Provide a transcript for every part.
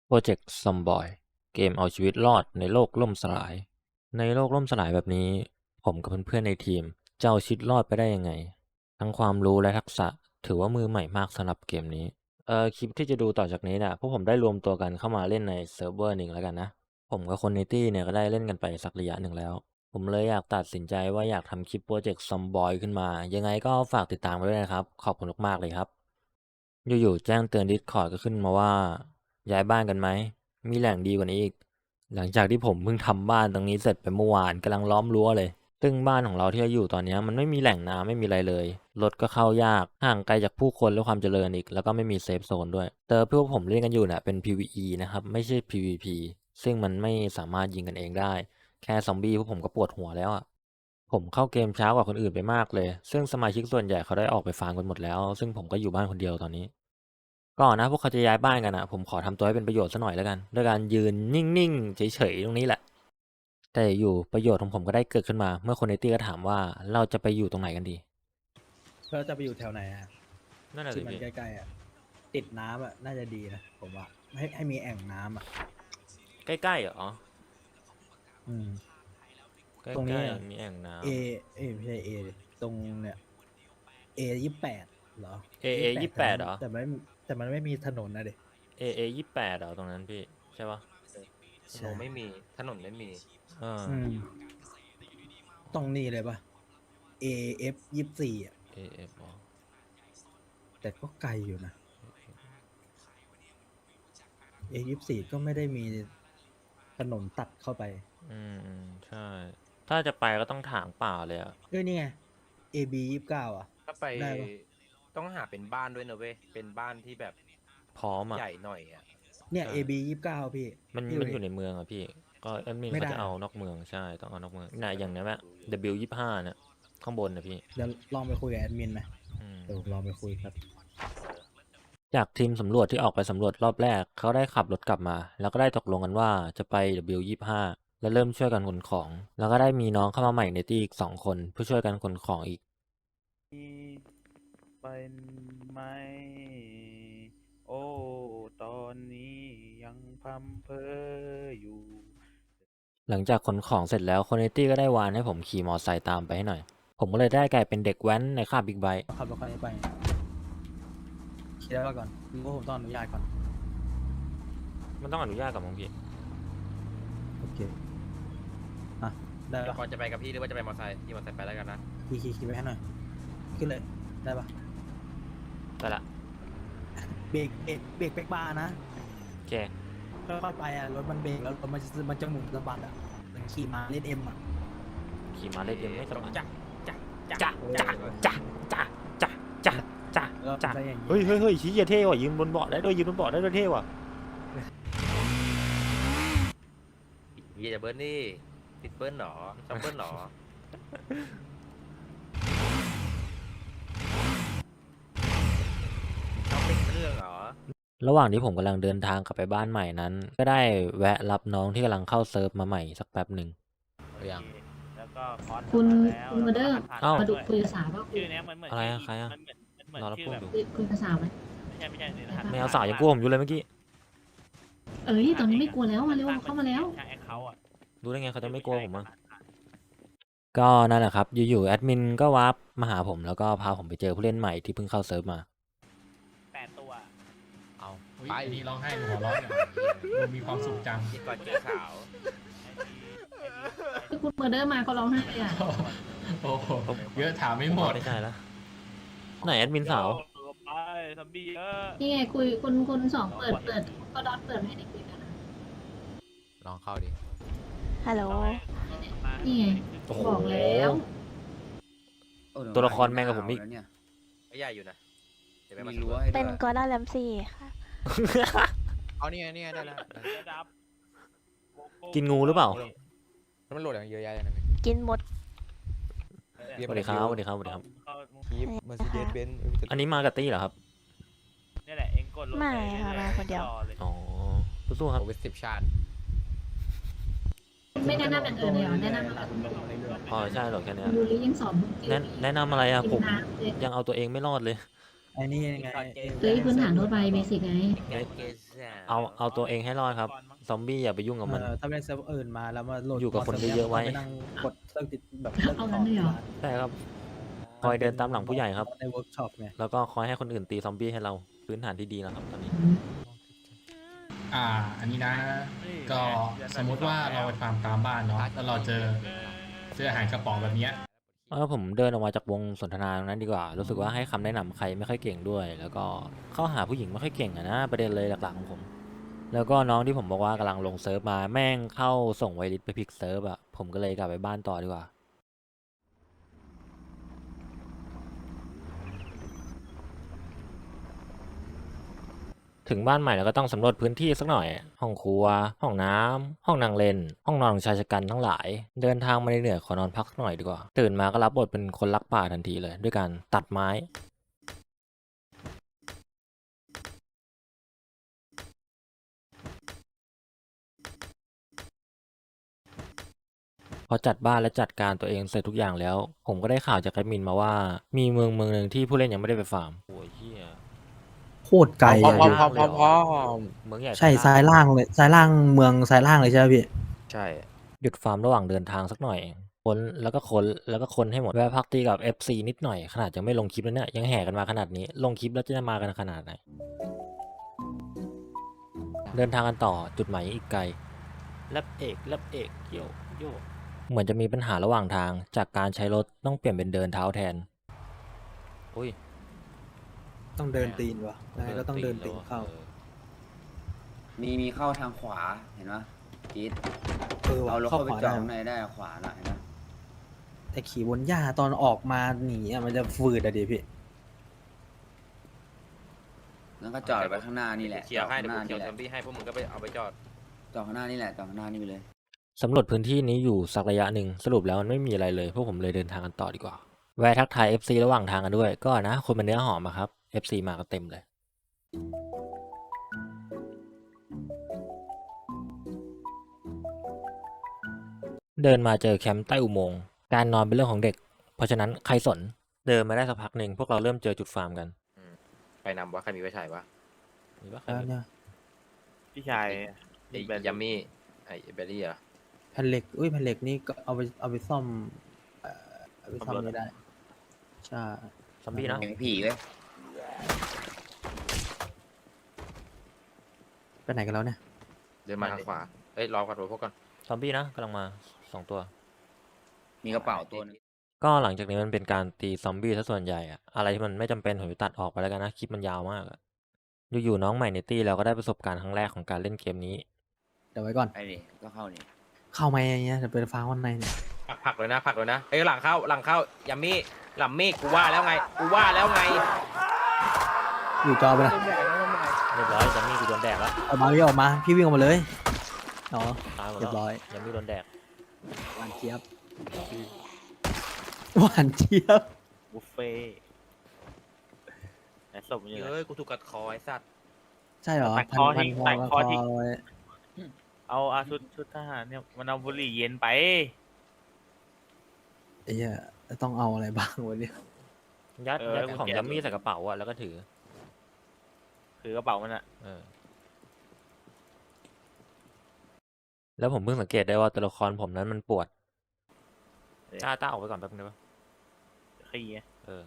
โปรเจกต์ซอมบอยเกมเอาชีวิตรอดในโลกล่มสลายในโลกล่มสลายแบบนี้ผมกับเพื่อนๆในทีมจะเอาชีวิตรอดไปได้ยังไงทั้งความรู้และทักษะถือว่ามือใหม่มากสำหรับเกมนี้คลิปที่จะดูต่อจากนี้นะพวกผมได้รวมตัวกันเข้ามาเล่นในเซิร์ฟเวอร์หนึ่งแล้วกันนะผมกับคนในตี้เนี่ยก็ได้เล่นกันไปสักระยะหนึ่งแล้วผมเลยอยากตัดสินใจว่าอยากทำคลิปโปรเจกต์ซอมบอยขึ้นมายังไงก็ฝากติดตามไว้ด้วยนะครับขอบคุณมากๆเลยครับอยู่ๆแจ้งเตือน Discord ก็ขึ้นมาว่าย้ายบ้านกันไหม มีแหล่งดีกว่านี้อีก หลังจากที่ผมเพิ่งทำบ้านตรงนี้เสร็จไปเมื่อวานกำลังล้อมรั้วเลย ซึ่งบ้านของเราที่เราอยู่ตอนนี้มันไม่มีแหล่งน้ำไม่มีอะไรเลย รถก็เข้ายาก ห่างไกลจากผู้คนและความเจริญอีก แล้วก็ไม่มีเซฟโซนด้วยแต่พวกผมเล่นกันอยู่เนี่ยเป็น PVE นะครับ ไม่ใช่ PVP ซึ่งมันไม่สามารถยิงกันเองได้ แค่ซอมบี้พวกผมก็ปวดหัวแล้วอ่ะผมเข้าเกมช้ากว่าคนอื่นไปมากเลย ซึ่งสมาชิกส่วนใหญ่เขาได้ออกไปฟาร์มกันหมดแล้ว ซึ่งผมก็อยู่บ้านคนเดียวตอนนี้ ก่อนนะพวกเขาจะย้ายบ้านกันอ่ะผมขอทำตัวให้เป็นประโยชน์ซะหน่อยแล้วกันด้วยการยืนนิ่งๆเฉยๆตรงนี้แหละแต่อยู่ประโยชน์ของผมก็ได้เกิดขึ้นมาเมื่อคนในตี้ก็ถามว่าเราจะไปอยู่ตรงไหนกันดีเราจะไปอยู่แถวไหนอ่ะนั่นแหละสิที่มันใกล้ๆอ่ะติดน้ำอ่ะน่าจะดีนะผมว่าให้มีแอ่งน้ำอ่ะใกล้ๆเหรออืมใกล้ตรงนี้ๆมีแอ่งน้เอไม่ใช่เอตรงเนี่ยA28เหรอำ 28เหรอแต่มันไม่มีถนนนะเด็ 28เหรอตรงนั้นพี่ใช่ปะถนนไม่มีถนนไม่มีอืมตรงนี้เลยปะ AF24อ่ะ AF อ๋อแต่ก็ไกลอยู่นะ A24ก็ไม่ได้มีถนนตัดเข้าไปใช่ถ้าจะไปก็ต้องถางป่าเลยอ่ะนี่ไง AB29อ่ะถ้าไปได้ปะต้องหาเป็นบ้านด้วยนะเว้ยเป็นบ้านที่แบบพร้อมอ่ะใหญ่หน่อยอ่ะเนี่ยใช่ AB29 พี่มันอยู่ในเมืองอ่ะพี่ก็แอดมินเขาจะเอานอกเมืองใช่ต้องเอานอกเมืองน่ะอย่างนี้แหละ W25เนี่ยข้างบนนะพี่เดี๋ยวลองไปคุยกับแอดมินไหมเดี๋ยวลองไปคุยครับจากทีมสำรวจที่ออกไปสำรวจรอบแรกเขาได้ขับรถกลับมา แล้วก็ได้ตกลงกันว่าจะไป W25 และเริ่มช่วยกันขนของ แล้วก็ได้มีน้องเข้ามาใหม่ในทีอีก2 คนเพื่อช่วยกันขนของอีกเป็นไหมโอ้ตอนนี้ยังพัมเพออยู่หลังจากขนของเสร็จแล้วคนในตี้ก็ได้วานให้ผมขี่มอไซค์ตามไปให้หน่อยผมก็เลยได้กลายเป็นเด็กแว้นในคาบบิ๊กไบค์ขับรถคันนี้ไปคิดแล้วก่อนรู้ว่าผมต้องอนุญาตก่อนมันต้องอนุญาตกับมึงพี่โอเค อ่ะ ได้ปะก่อนจะไปกับพี่หรือว่าจะไปมอเตอร์ไซค์พี่มอเตอร์ไซค์ไปแล้วกันนะขี่ไปให้หน่อย ขึ้นเลย ได้ปะได้ละเบรกเป๊กบาร์นะโอเคค่อยๆไปอ่ะ รถมันเบรกแล้วรถมันจะหมุนสะบัดอ่ะเหมือนขี่มาเล่นเอ็มอ่ะขี่มาเล่นเอ็มไม่สบายจ้ะจ้ะจ้ะจ้ะจ้ะจ้ะจ้ะจ้ะจ้ะแล้วจ้ะได้อย่างนี้เฮ้ยชี้เท่ว่ะยืนบนเบาะได้ด้วยยืนบนเบาะได้ด้วยเท่ว่ะพี่จะเบิ้ลนี่ติดเบิ้ลหรอชอบเบิ้ลหรอชอบเป็นเรื่องหรอระหว่างที่ผมกำลังเดินทางกลับไปบ้านใหม่นั้น ก็ได้แวะรับน้องที่กำลังเข้าเซิร์ฟมาใหม่สักแป๊บหนึ่งยังแล้วก็คอร์สคุณแล้วคุณมาเดอร์เอ้ามาดูคุยภาษาว่าคุยชื่อเนี้ยมันเหมือนอะไรอะใครอะมันเหมือนรอรับชื่อแบบพูดอยู่คุยภาษาไหมไม่ใช่ในรหัสไม่เอาสาวยังกลัวผมอยู่เลยเมื่อกี้เอ้ยตอนนี้ไม่กลัวแล้วมาเร็วเข้ามาแล้วใช่เขาอ่ะดูได้ไงเขาจะไม่กลัวผมอ่ะก็นั่นแหละครับอยู่ๆแอดมินก็วาร์ปมาหาผมแล้วก็พาผมไปเจอผู้เล่นใหม่ที่เพิ่งเข้าเซิร์ฟมา 8 ตัวเอาไปนี่ร้องไห้หัวเร้องอย่างดูมีความสุขจังพี่ก่อนเจอสาวคือคุณมาเดอร์มาเขาร้องไห้เลยอ่ะโอ้โหเยอะถามไม่หมดไม่ใช่แล้วไหนแอดมินสาวไปซอมบี้เยอะนี่ไงคุยคุณสองเปิดก็ดอทเปิดให้เด็กคุยกันนะลองเข้าดิฮัลโหลนี่ไงโอ้โหบอกแล้วตัวละครแม่งกับผมอีกไม่ใหญ่อยู่นะเดี๋ยวไปมาเป็นกอร์ดอนแรมซี่ค่ะเอานี่ไงได้แล้วระดับกินงูหรือเปล่าแล้วมันโหลดอย่างเยอะแยะเลยนะกินหมดสวัสดีครับสวัสดีครับสวัสดีครับคีฟเมอร์ซิเดสเบนซ์อันนี้มากับตี้เหรอครับนี่แหละเองกดลงไม่ค่ะมาคนเดียวอ๋อสู้ๆครับโอเวอร์10 ชาติไม่แนะนำอย่างอื่นเลยเหรอแนะนำแบบอ๋อใช่หรอกแค่เนี้ยยูริยังสอนแนะนำอะไรอะผมน้ำเลยยังเอาตัวเองไม่รอดเลยไอ้นี่ไงเฮ้ยพื้นฐานทั่วไปเบสิกไงเอาตัวเองให้รอดครับ ซอมบี้อย่าไปยุ่งกับมันถ้าเป็นเซิร์ฟอื่นมาแล้วมาโหลดอยู่กับคนเยอะๆไว้ไปนั่งกดเลิกติดแบบเลิกเอางั้นเลยเหรอใช่ครับ คอยเดินตามหลังผู้ใหญ่ครับในเวิร์กช็อปไงแล้วก็คอยให้คนอื่นตีซอมบี้ให้เราพื้นฐานที่ดีแล้วครับตอนนี้อันนี้นะ ก็สมมุติว่าเราไปฟาร์มตามบ้านเนาะแล้วเราเจออาหารกระป๋องแบบเนี้ยผมเดินออกมาจากวงสนทนาตรงนั้นดีกว่า รู้สึกว่าให้คำแนะนำใครไม่ค่อยเก่งด้วย แล้วก็เข้าหาผู้หญิงไม่ค่อยเก่งอะนะประเด็นเลยหลักๆของผม แล้วก็น้องที่ผมบอกว่ากำลังลงเซิร์ฟมาแม่งเข้าส่งไวริสไปพลิกเซิร์ฟอะผมก็เลยกลับไปบ้านต่อดีกว่า ถึงบ้านใหม่แล้วก็ต้องสำรวจพื้นที่สักหน่อย ห้องครัว ห้องน้ำ ห้องนั่งเล่น ห้องนอนของชายชะกันทั้งหลาย เดินทางมาเหนื่อยๆขอนอนพักสักหน่อยดีกว่า ตื่นมาก็รับบทเป็นคนรักป่าทันทีเลย ด้วยการตัดไม้ พอจัดบ้านและจัดการตัวเองเสร็จทุกอย่างแล้ว ผมก็ได้ข่าวจากแอดมินมาว่า มีเมืองหนึ่งที่ผู้เล่นยังไม่ได้ไปฟาร์มโอ้ยเหี้ยโคตรไกลพร้อะอพี่มเมืองใหญ่ใช่ซ้ายล่างเลยซ้ายล่างเมืองซ้ายล่างเลยใช่ไหมพี่ใช่หยุดฟาร์มระหว่างเดินทางสักหน่อยค้นแล้วก็ค้นให้หมดแวะพักตีกับ FC นิดหน่อยขนาดยังไม่ลงคลิปแล้วเนี่ยยังแห่กันมาขนาดนี้ลงคลิปแล้วจะมากันขนาดไหน เดินทางกันต่อจุดหมายอีกไกลแลบเอกโยเหมือนจะมีปัญหาระหว่างทางจากการใช้รถต้องเปลี่ยนเป็นเดินเท้าแทนอุ้ยต้องเดินตีนวะยังไงก็ต้องเดินตีนเข้ามีเข้าทางขวาเห็นปะจี๊ดว่ะเอารถเข้าเข้าไปขวาจอได้ดข้างในได้ขวาน่ะเห็นปะแต่ขี่บนหญ้าตอนออกมาหนีอะมันจะฝืดอะดิพี่แล้วก็จอดไปข้างหน้านี่แหละเขียวให้จอดเดี๋ยวข้างหกูน้าเขียวนี่แหละซอมบี้ให้พวกมึงก็ไปเอาไปจอดจอดข้างหน้านี่แหละจอดข้างหน้านี่ไปเลยสำรวจพื้นที่นี้อยู่สักระยะหนึ่งสรุปแล้วมันไม่มีอะไรเลยพวกผมเลยเดินทางกันต่อดีกว่าแวะทักทาย FC ระหว่างทางกันด้วยก็นะคนเป็นเนื้อหอมอะครับ FC มากันเต็มเลย เดินมาเจอแคมป์ใต้อุโมงค์การนอนเป็นเรื่องของเด็ก เพราะฉะนั้นใครสนเดินมาได้สักพักหนึ่งพวกเราเริ่มเจอจุดฟาร์มกันไปนำวะใครมีไฟฉายวะมีปะใครแล้วมีเนี่ยพี่ชายไอ้ยัมมี่ไอ้เบลลี่เหรอแผ่นเหล็กแผ่นเหล็กนี่ก็เอาไปซ่อมเอาไปซ่อมไม่ได้ใช่ซอมบี้นะเห็นผีเว้ยไปไหนกันแล้วเนี่ยเดินมาทางขวาเอ้ยรอก่อนรอพวกก่อนซอมบี้นะกำลังมา2 ตัวมีกระเป๋าตัวหนึงก็หลังจากนี้มันเป็นการตีซอมบี้ซะส่วนใหญ่อะอะไรที่มันไม่จำเป็นผมจะตัดออกไปแล้วกันนะคลิปมันยาวมากอะอยู่ๆน้องใหม่ในตี้เราก็ได้ประสบการณ์ครั้งแรกของการเล่นเกมนี้เดี๋ยวไว้ก่อนไอ้นี่ก็เข้านี่เข้ามาอย่างเงี้ยจะเป็นฟ้าวันในเนี่ยผลักเลยนะเฮ้ยหลังเข้ายัมมี่หลัมมี่กูว่าแล้วไงอยู่จอไปละเรียบร้อยยัมมี่กูโดนแดกแล้วออกมาพี่ออกมาพี่วิ่งออกมาเลยอ๋อตายหมดเรีแล้ยว บร้อยยัมมี่โดนแดกหวานเจี๊ยบหวานเจี๊ยบบุฟเฟ่ต์ไหนศพมันอยู่ไหนเฮ้ยกูถูกกัดคอไอ้สัตว์ใช่เหรอตัดคอทิ้งตัดคอทิ้งไว้เอาชุดทหารเนี่ยมันเอาบุหรี่เย็นไปไอ้เหี้ยต้องเอาอะไรบ้างวันนี้ยัดเออยัดกุญของแจยัมมี่ใส่กระเป๋าอะแล้วก็ถือคือกระเป๋ามันอะเออแล้วผมเพิ่งสังเกตได้ว่าตัวละครผมนั้นมันปวดต้าออกไปก่อนแป๊บนึงได้ปะขี้ไงเออ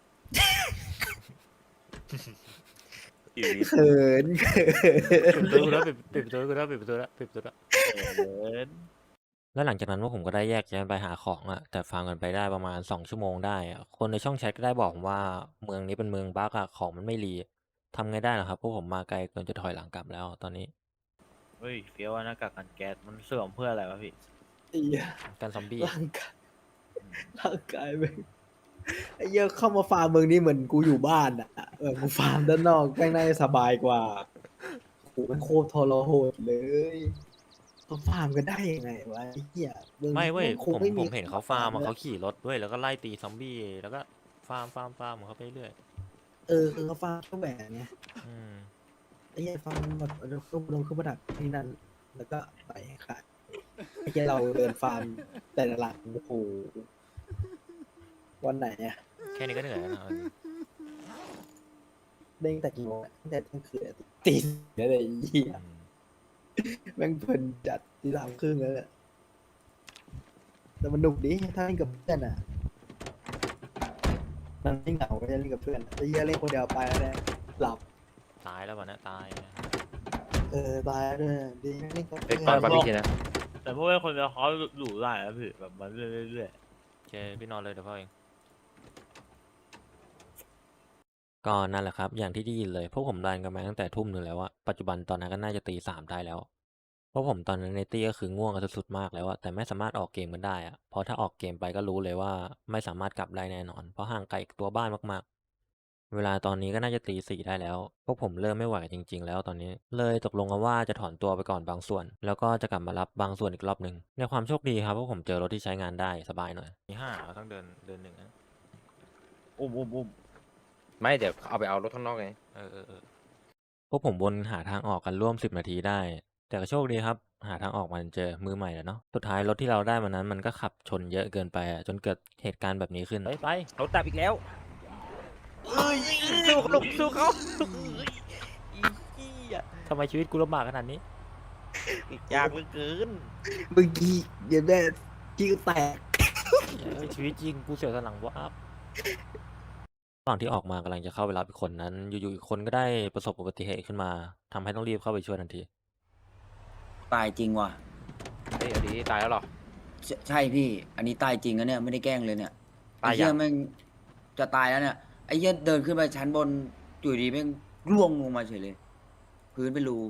อยู่ดีเขินปิดประตูกูแล้วปิดประตูกูแล้วปิดประตูแล้วปิดประตูแล้วเขินแล้วหลังจากนั้นว่าผมก็ได้แยกย้ายไปหาของอะแต่ฟาร์มกันไปได้ประมาณ2 ชั่วโมงได้อะคนในช่องแชทก็ได้บอกผมว่าเมืองนี้เป็นเมืองบั๊กอะของมันไม่รีทำไงได้ล่ะครับพวกผมมาไกลเกินจะถอยหลังกลับแล้วตอนนี้เฮ้ยเฟี้ยวว่าหน้ากากกันแก๊สมันเสื่อมเพื่ออะไรวะพี่ไอ้เหี้ยการซอมบี้ร่างกายแม่งไอ้เหี้ยเข้ามาฟาร์มเมืองนี้เหมือนกูอยู่บ้านอ่ะกูฟาร์มด้านนอกแม่งน่าจะสบายกว่าโหมันโคตรทรหดเลยต้องฟาร์มกันได้ยังไงวะไอ้เหี้ยมืองไม่เว้ยคผงมไเห็นเขาฟาร์มอะลยเขาขี่รถด้วยแล้วก็ไล่ตีซอมบี้แล้วก็ฟาร์มของเขาไปเรื่อยคือเขาฟาร์มเครื่องแบบไงอืมไอ้เหี้ยฟาร์มแบบลงเครื่องประดับนี่นั่นแล้วก็ไปขายไอ้เหี้ยเราเดินฟาร์มแต่ละหลังโอ้โหวันไหนเนี่ยแค่นี้ก็เหนื่อยแล้วนะเอาจริงเด้งแต่กี่โมงอะตั้งแต่เที่ยงคืนอะตีสี่แล้วเลยไอ้เหี้ยแม่งเพลินจัดตี 3:30แล้วเนี่ยแต่มันหนุกดีถ้าเล่นกับเพื่อนอ่ะมันไม่เหงาไม่ได้เล่นกับเพื่อนไอ้เหี้ยเล่นคนเดียวไปแล้วเนี่ยหลับตายแล้ววะเนี่ยตายนะตายแล้วด้วยดีไม่เล่นกับเด็เพื่กตอนอนบาร์บีคิวนะแต่พวกเป็นคนเดียวเขาหลูได้นะพี่แบบมาเรื่อยโอเคพี่นอนเลยเดี๋ยวพ่อเองก็นั่นแหละครับ อย่างที่ได้ยินเลยพวกผมรันกันมาตั้งแต่ทุ่มหนึ่งแล้วอะปัจจุบันตอนนั้นก็น่าจะตี 3ได้แล้วเพราะผมตอนนั้นในตี้ก็คือง่วงกันสุดๆมากแล้วอะแต่ไม่สามารถออกเกมกันได้อะเพราะถ้าออกเกมไปก็รู้เลยว่าไม่สามารถกลับได้แน่นอน เพราะห่างไกลตัวบ้านมากๆ เวลาตอนนี้ก็น่าจะตี 4ได้แล้วพวกผมเริ่มไม่ไหวจริง ๆ แล้วตอนนี้เลยตกลงกันว่าจะถอนตัวไปก่อนบางส่วน แล้วก็จะกลับมารับบางส่วนอีกรอบหนึ่งในความโชคดีครับพวกผมเจอรถที่ใช้งานได้สบายหน่อยมี5ต้องเดินหนึ่งนะๆอุ้มไม่เดี๋ยวเอาไปเอารถข้างนอกไงพวกผมวนหาทางออกกันร่วม10 นาทีได้ แต่ก็โชคดีครับ หาทางออกมันเจอมือใหม่แล้วเนาะสุดท้ายรถที่เราได้มานั้นมันก็ขับชนเยอะเกินไปอะจนเกิดเหตุการณ์แบบนี้ขึ้นไปรถดับอีกแล้วสู้เขาลูกสู้เขาอีเหี้ยทำไมชีวิตกูลำบากขนาดนี้ยากเหลือเกินเมื่อกี้เย็นแม่กี้ก็แตกชีวิตจริงกูเสียวสันหลังวับตอนที่ออกมากำลังจะเข้าไปรับอีกคนนั้น อยู่ๆอีกคนก็ได้ประสบอุบัติเหตุขึ้นมาทำให้ต้องรีบเข้าไปช่วยทันทีตายจริงว่ะเฮ้ยเอาดีตายแล้วเหรอใช่พี่ อันนี้ตายจริงนะเนี่ยไม่ได้แกล้งเลยเนี่ยตายไอ้เหี้ยัยงแม่งจะตายแล้วเนี่ยไอ้เหี้ยเดินขึ้นไปชั้นบนอยู่ดีแม่งร่วงลงมาเฉยเลย พื้นเป็นรู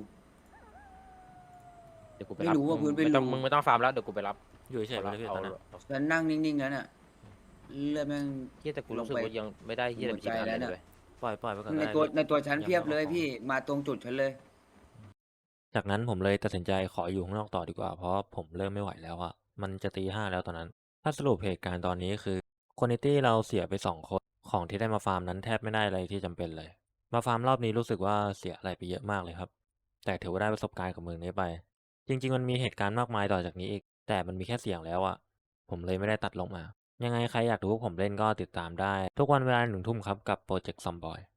เดี๋ยวกูไปไม่รับรู้ว่าพื้นเป็นไม่ต้องรูมึงไม่ต้องฟาร์มแล้วเดี๋ยวกูไปรับอยู่เฉยๆไปเลยพี่ตอนนั้นฉันนั่งนิ่งๆแล้วเนี่ยเลือดแม่งเฮียแต่กูรู้สึกลงไปว่ายังไม่ได้เฮียอะไรหัวใจแล้วเนี่ยเลยปล่อยไปก่อนในได้ตัวพี่ในตัวฉันยังเพียบไม่เลยออกพี่มาตรงจุดฉันเลยจากนั้นผมเลยตัดสินใจขออยู่ข้างนอกต่อดีกว่า เพราะผมเริ่มไม่ไหวแล้วอะมันจะตี 5แล้วตอนนั้น ถ้าสรุปเหตุการณ์ตอนนี้คือคนในตี้เราเสียไป2 คนของที่ได้มาฟาร์มนั้นแทบไม่ได้อะไรที่จำเป็นเลย มาฟาร์มรอบนี้รู้สึกว่าเสียอะไรไปเยอะมากเลยครับ แต่ถือว่าได้ประสบการณ์กับเมืองนี้ไป จริง ๆ มันมีเหตุการณ์มากมายต่อจากนี้อีก แต่มันมีแค่เสียงแล้วอะผมเลยไม่ได้ตัดลงมา ยังไงใครอยากดูพวกผมเล่นก็ติดตามได้ ทุกวันเวลา 1 ทุ่มครับกับโปรเจกต์ซอมบอย